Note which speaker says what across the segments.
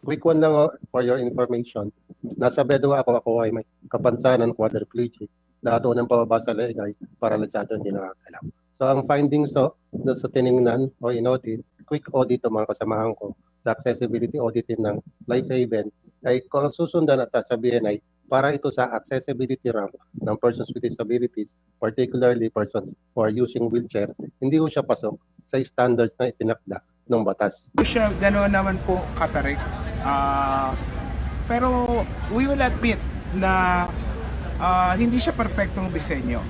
Speaker 1: quick one lang for your information. Nasa bedwa ako ay may kapansanan quadriplegic. Lahat ng pababa sa leeg ay paralisado, hindi nakakalaw. So ang findings doon sa tiningnan o in-audit, quick audit ng mga kasamahan ko sa accessibility auditing ng Life Haven ay kung ang susundan at sasabihin ay para ito sa accessibility ramp ng persons with disabilities, particularly persons who are using wheelchair, hindi ko siya pasok sa standards na itinakda ng batas.
Speaker 2: Siya gano'n naman po katarik. Pero we will admit na hindi siya perfectong disenyo.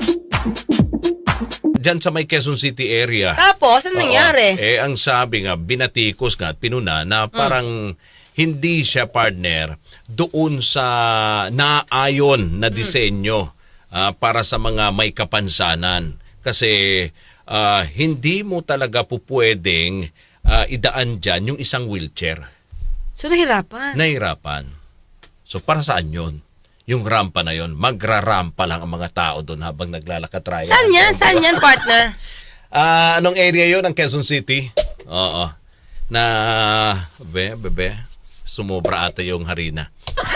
Speaker 3: Diyan sa may Quezon City area.
Speaker 4: Tapos, ano nangyari?
Speaker 3: Ang sabi nga, binatikos nga at pinuna na parang hindi siya partner doon sa naayon na disenyo para sa mga may kapansanan. Kasi hindi mo talaga pupwedeng idaan dyan yung isang wheelchair.
Speaker 4: So, nahirapan?
Speaker 3: Nahirapan. So, para saan yun? Yung rampa na yon, magrarampa lang ang mga tao doon habang naglalakad raya.
Speaker 4: Saan yan? Saan yan, partner?
Speaker 3: Anong area yon ng Quezon City? Oo. Na, bebe, sumobra ata yung harina.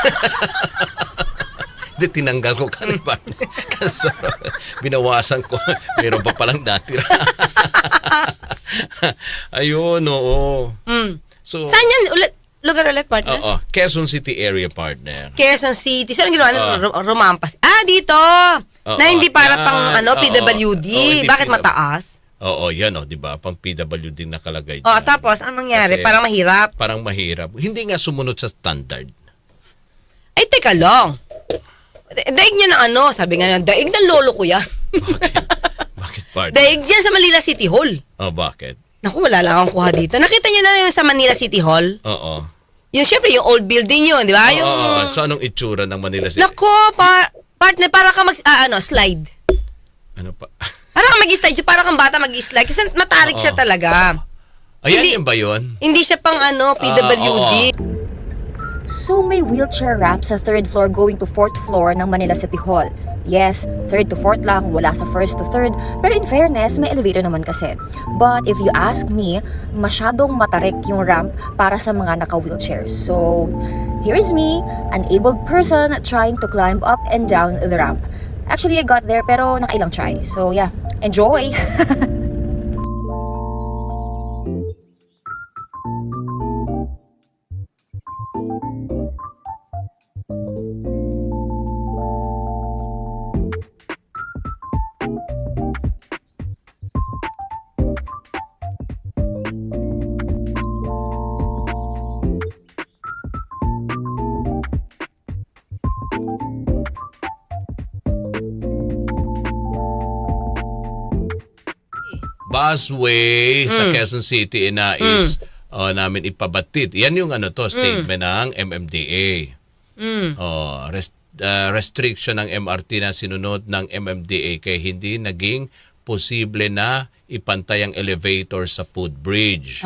Speaker 3: Hindi, tinanggal ko kanina. Kasi binawasan ko. Meron pa palang natira. Ayun, oo. So,
Speaker 4: Saan yan? Lugar ulit, partner?
Speaker 3: Oo. Quezon City area, partner.
Speaker 4: Quezon City. So, anong ginawa? Romampas. Dito! Na hindi para pang PWD. Bakit mataas?
Speaker 3: Oo, yan di ba? Pang PWD nakalagay.
Speaker 4: Tapos, anong mangyari?
Speaker 3: Kasi
Speaker 4: Parang mahirap?
Speaker 3: Parang mahirap. Hindi nga sumunod sa standard.
Speaker 4: Ay, teka lang. Daig niya ng sabi nga, daig ng lolo ko yan.
Speaker 3: Bakit, partner?
Speaker 4: Daig dyan sa Manila City Hall.
Speaker 3: Bakit?
Speaker 4: Naku, wala lang akong kuha dito. Nakita niyo na yung sa Manila City Hall?
Speaker 3: Oo.
Speaker 4: Yung syempre, yung old building yun, di ba?
Speaker 3: So, anong itsura ng Manila City?
Speaker 4: Naku, partner, para ka slide.
Speaker 3: Ano pa?
Speaker 4: Para ka mag-slide, para kang bata mag-slide. Kasi matarik siya talaga.
Speaker 3: Ayan, yun ba yun?
Speaker 4: Hindi siya pang PWD.
Speaker 5: So may wheelchair ramp sa 3rd floor going to 4th floor ng Manila City Hall. Yes, 3rd to 4th lang, wala sa 1st to 3rd. Pero in fairness, may elevator naman kasi. But if you ask me, masyadong matarik yung ramp para sa mga naka-wheelchair. So, here is me, an abled person trying to climb up and down the ramp. Actually, I got there pero nakailang try. So yeah, enjoy!
Speaker 3: Busway sa Quezon City is namin ipabatid. Yan yung statement ng MMDA. Restriction ng MRT na sinunod ng MMDA kaya hindi naging posible na ipantay ang elevator sa footbridge.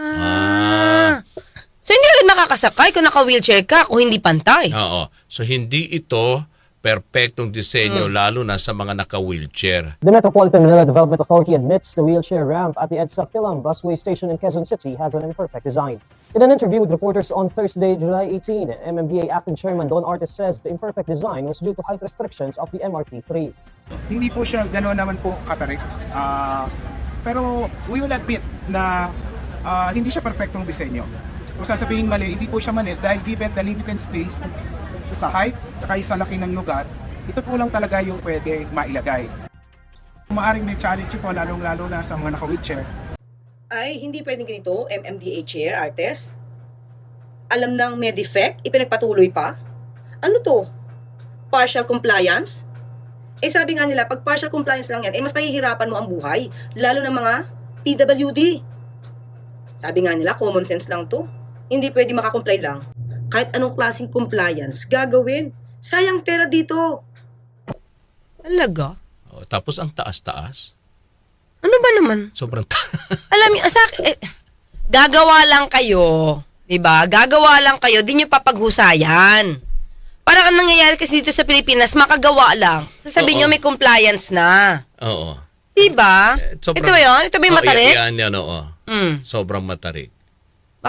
Speaker 4: So hindi ka makakasakay kung naka-wheelchair ka kung hindi pantay.
Speaker 3: Oo. So hindi ito perpektong disenyo lalo na sa mga naka-wheelchair.
Speaker 6: The Metropolitan Manila Development Authority admits the wheelchair ramp at the EDSA Philam Busway Station in Quezon City has an imperfect design. In an interview with reporters on Thursday, July 18, MMDA Acting Chairman Don Artis says the imperfect design was due to height restrictions of the MRT-3.
Speaker 2: Hindi po siya gano'n naman po katarik. Pero we will admit na hindi siya perfectong disenyo. Kung sasabihin mali, hindi po siya mali dahil given the limited space sa height, saka sa laki ng lugar, ito po lang talaga yung pwede mailagay. Maaring may challenge po, lalong-lalo na sa mga naka-wheelchair.
Speaker 4: Ay, hindi pwedeng ganito, MMDA Chair, Artes. Alam ng may defect, ipinagpatuloy pa. Ano to? Partial compliance? Sabi nga nila, pag partial compliance lang yan, mas mahihirapan mo ang buhay, lalo ng mga PWD. Sabi nga nila, common sense lang to. Hindi pwede makakomply lang. Kahit anong klaseng compliance, gagawin. Sayang pera dito. Talaga?
Speaker 3: Tapos ang taas-taas.
Speaker 4: Ano ba naman?
Speaker 3: Sobrang
Speaker 4: Alam niyo, gagawa lang kayo. Diba? Gagawa lang kayo, di nyo papaghusayan. Parang ang nangyayari kasi dito sa Pilipinas, makagawa lang. Sasabihin nyo may compliance na.
Speaker 3: Oo.
Speaker 4: Diba? Ito ba yun? Ito ba yung matarik?
Speaker 3: Yan, oo. Sobrang matarik.
Speaker 4: Baka,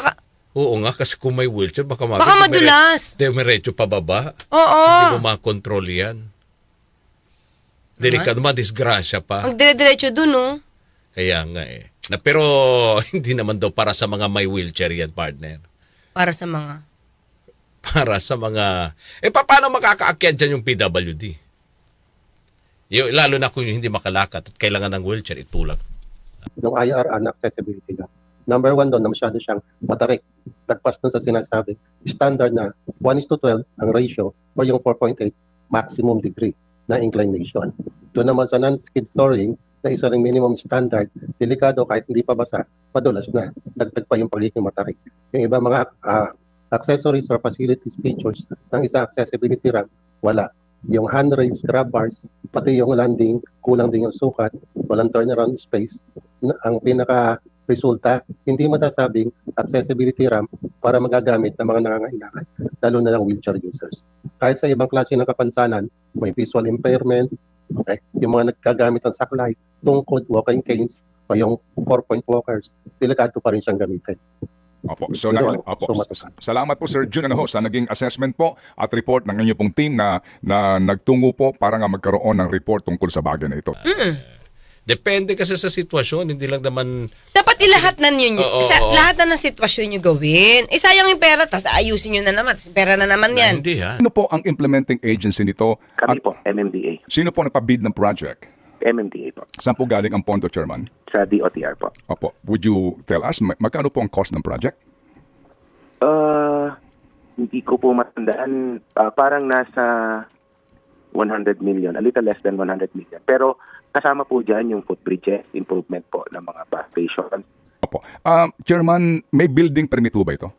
Speaker 3: Oo nga, kasi kung may wheelchair, baka
Speaker 7: madulas.
Speaker 3: Demiretso pababa.
Speaker 7: Oo.
Speaker 3: Hindi mo makontrol yan. Delikado, madisgrasya pa.
Speaker 7: Ang dire-diretso dun, no?
Speaker 3: Kaya nga pero hindi naman daw para sa mga may wheelchair yan, partner.
Speaker 7: Para sa mga...
Speaker 3: Para sa mga... paano makakaakyat dyan yung PWD? Lalo na kung hindi makalakad at kailangan ng wheelchair, itulak.
Speaker 1: Yung IRR na accessibility lang. Number 1 doon na masyado siyang matarik. Nagpas doon sa sinasabi, standard na 1:12 ang ratio o yung 4.8 maximum degree na inclination. Doon naman sa non-skid flooring, na isa ring minimum standard, delikado kahit hindi pa basa, madulas na. Dagdag pa yung pagiging matarik. Yung iba mga accessories or facilities features ng isa accessibility ramp, wala. Yung handrails, grab bars, pati yung landing, kulang din yung sukat, walang turnaround space. Ang pinaka-resulta, hindi matasabing accessibility ramp para magagamit ng mga nangangailangan, lalo na ng wheelchair users. Kahit sa ibang klase ng kapansanan, may visual impairment, okay, yung mga nagkagamit ng saklay, tungkod, walking canes, o yung 4-point walkers, delikado pa rin siyang gamitin.
Speaker 8: Opo. So,
Speaker 1: So,
Speaker 8: salamat po Sir Jun sa naging assessment po at report ng inyong pong team na nagtungo po para nga magkaroon ng report tungkol sa bagay na ito.
Speaker 3: Depende kasi sa sitwasyon, hindi lang naman...
Speaker 7: Dapat ilahat na ninyo.
Speaker 3: Oo.
Speaker 7: Lahat na ng sitwasyon nyo gawin. Sayang yung pera, tapos ayusin nyo na naman. Pera na naman yan.
Speaker 3: Hindi ha.
Speaker 8: Sino po ang implementing agency nito?
Speaker 9: Kami po, MMDA.
Speaker 8: Sino po nagpa-bid ng project?
Speaker 9: MMDA po.
Speaker 8: Saan po galing ang pondo, Chairman?
Speaker 9: Sa DOTR po.
Speaker 8: Opo. Would you tell us, magkano po ang cost ng project?
Speaker 9: Hindi ko po matandaan. Parang nasa 100 million, a little less than 100 million. Pero kasama po dyan yung footbridges, improvement po ng mga bus stations.
Speaker 8: Opo. Chairman, may building permit po ba ito?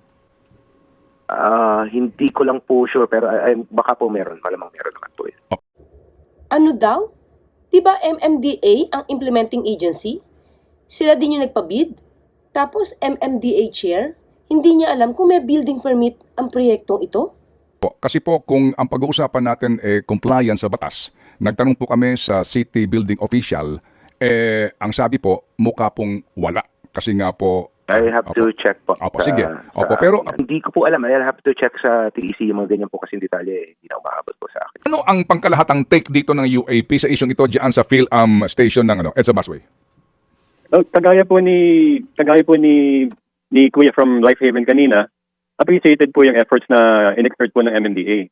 Speaker 9: Hindi ko lang po sure, pero baka po meron. Malamang meron naman po.
Speaker 4: Ano daw? Diba MMDA ang implementing agency? Sila din yung nagpabid? Tapos MMDA chair? Hindi niya alam kung may building permit ang proyektong ito?
Speaker 8: Kasi po kung ang pag-uusapan natin compliance sa batas, nagtanong po kami sa city building official, ang sabi po, mukha pong wala. Kasi nga po...
Speaker 9: I have to check po.
Speaker 8: Opo, sige. Opo, pero...
Speaker 9: Hindi ko po alam. I have to check sa TEC yung mga ganyan po kasi detalye. Hindi na umaabot po sa akin.
Speaker 8: Ano ang pangkalahatang take dito ng UAP sa isyong ito diyan sa PhilAm station ng EDSA Busway?
Speaker 10: Kagaya po ni Kuya from Life Haven kanina, appreciated po yung efforts na in-exert po ng MMDA.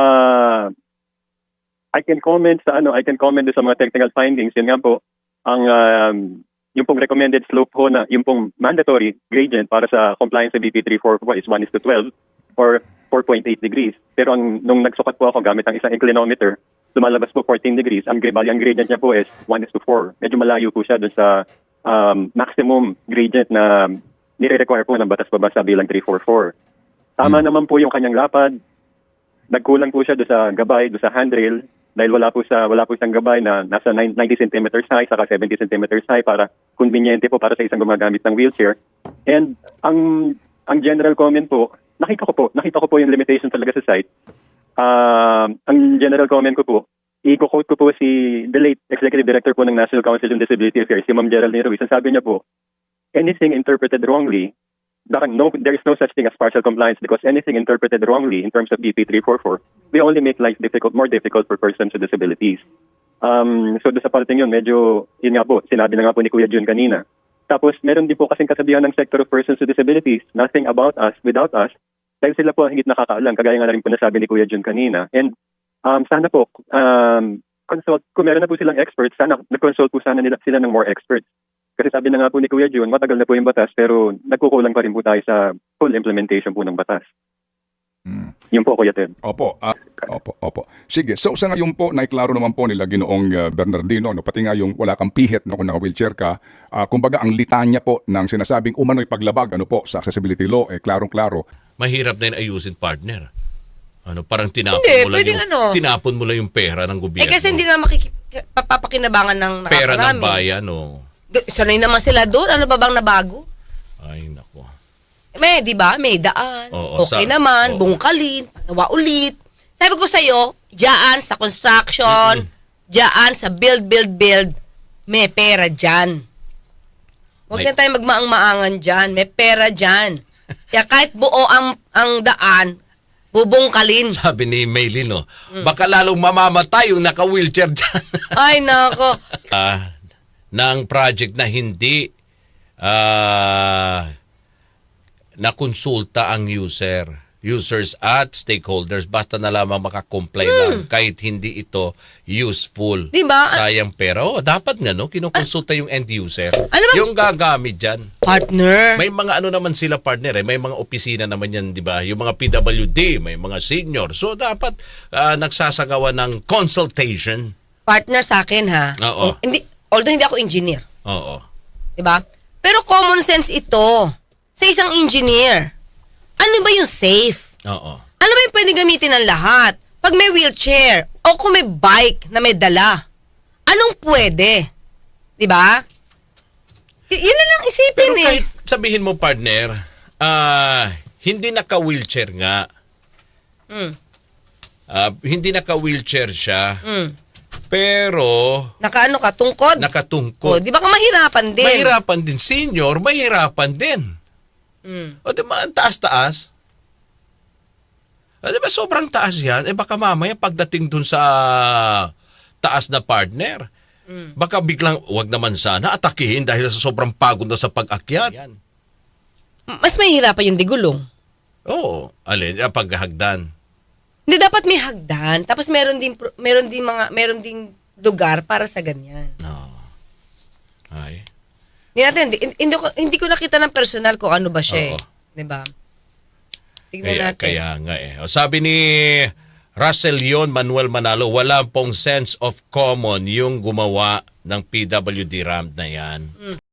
Speaker 10: I can comment sa mga technical findings. Yun nga po, ang yung pong recommended slope po na yung pong mandatory gradient para sa compliance sa BP 344 is 1:12 or 4.8 degrees. Pero nung nagsukat po ako gamit ang isang inclinometer, lumalabas po 14 degrees. Ang gradient niya po is 1:4. Medyo malayo po siya dun sa maximum gradient na nire-require po ng batas pabasa bilang 344. Tama naman po yung kanyang lapad. Nagkulang po siya doon sa gabay, doon sa handrail dahil wala po siyang gabay na nasa 90 centimeters high saka 70 centimeters high para conveniente po para sa isang gumagamit ng wheelchair. And ang general comment po, nakita ko po yung limitation talaga sa site. Ang general comment ko po, i-quote ko po si the late Executive Director po ng National Council on Disability Affairs, si Ma'am Geraldine Ruiz. Ang sabi niya po, anything interpreted wrongly, there is no such thing as partial compliance because anything interpreted wrongly in terms of BP 344, we only make life more difficult for persons with disabilities. So doon sa parting yun, medyo, yun nga po, sinabi na nga po ni Kuya Jun kanina. Tapos meron din po kasing kasabihan ng sector of persons with disabilities, nothing about us, without us, dahil sila po ang higit nakakaalam, kagaya nga na rin po nasabi ni Kuya Jun kanina. And sana po, kung meron na po silang experts, sana nag-consult po sana sila ng more experts. Kasi sabi na nga po ni Kuya Jun, matagal na po yung batas pero nagkukulang pa rin po tayo sa full implementation po ng batas. Yun po, Kuya Ted.
Speaker 8: Opo. Sige. So sa ngayon po, naiklaro naman po nila Ginoong Bernardino, pati nga yung wala kang pihit kung naka-wheelchair ka. Kumbaga ang litanya po ng sinasabing umano'y paglabag sa accessibility law, klarong-klaro.
Speaker 3: Mahirap na yung ayusin, partner. Parang tinapon mo lang yung pera ng gobyerno.
Speaker 7: Kasi hindi naman papapakinabangan ng nakakarami.
Speaker 3: Pera ng bayan,
Speaker 7: Sanay naman sila doon. Ano ba bang nabago?
Speaker 3: Ay, nako.
Speaker 7: Di ba? May daan.
Speaker 3: Oo,
Speaker 7: okay naman. Bungkalin. Pagawa ulit. Sabi ko sa'yo, dyan sa construction, dyan sa build, may pera dyan. Huwag na tayo magmaang-maangan dyan. May pera dyan. Kaya kahit buo ang daan, bubungkalin.
Speaker 3: Sabi ni Maylin, no, baka lalong mamamatay yung naka-wheelchair dyan.
Speaker 7: Ay, nako.
Speaker 3: Ng project na hindi nakonsulta ang users at stakeholders, basta na lamang makakomply lang kahit hindi ito useful.
Speaker 7: Diba?
Speaker 3: Sayang pera. Dapat nga, no, kinukonsulta yung end user.
Speaker 7: Ano ba?
Speaker 3: Yung gagamit dyan.
Speaker 7: Partner.
Speaker 3: May mga ano naman sila partner, may mga opisina naman yan, di ba? Yung mga PWD, may mga senior. So dapat nagsasagawa ng consultation.
Speaker 7: Partner sa akin, ha?
Speaker 3: Oo.
Speaker 7: Although hindi ako engineer.
Speaker 3: Oo.
Speaker 7: Diba? Pero common sense ito sa isang engineer. Ano ba yung safe?
Speaker 3: Oo.
Speaker 7: Ano ba yung pwede gamitin ng lahat? Pag may wheelchair o kung may bike na may dala, anong pwede? Diba? Yun na lang isipin
Speaker 3: Pero
Speaker 7: eh.
Speaker 3: kahit sabihin mo partner, hindi naka-wheelchair nga. Hindi naka-wheelchair siya. Pero
Speaker 7: Nakaano ka, tungkod?
Speaker 3: nakatungkod.
Speaker 7: Di ba ka mahirapan din?
Speaker 3: Mahirapan din. Senior, mahirapan din. O di ba, ang taas-taas? O di ba, sobrang taas yan? Baka mamaya pagdating dun sa taas na partner, baka biglang, wag naman sana, atakihin dahil sa sobrang pagod na sa pag-akyat. Yan.
Speaker 7: Mas mahirapan yung digulong.
Speaker 3: Oo, alin, paghahagdan.
Speaker 7: Hindi dapat may hagdan, tapos meron ding lugar para sa ganyan.
Speaker 3: No. Ay.
Speaker 7: Hindi ko nakita ng personal kung ano ba siya.
Speaker 3: Oo.
Speaker 7: Eh. 'Di ba? Tingnan natin.
Speaker 3: Kaya nga eh. O, sabi ni Russell Yon Manuel Manalo, wala pong sense of common yung gumawa ng PWD ramp na yan.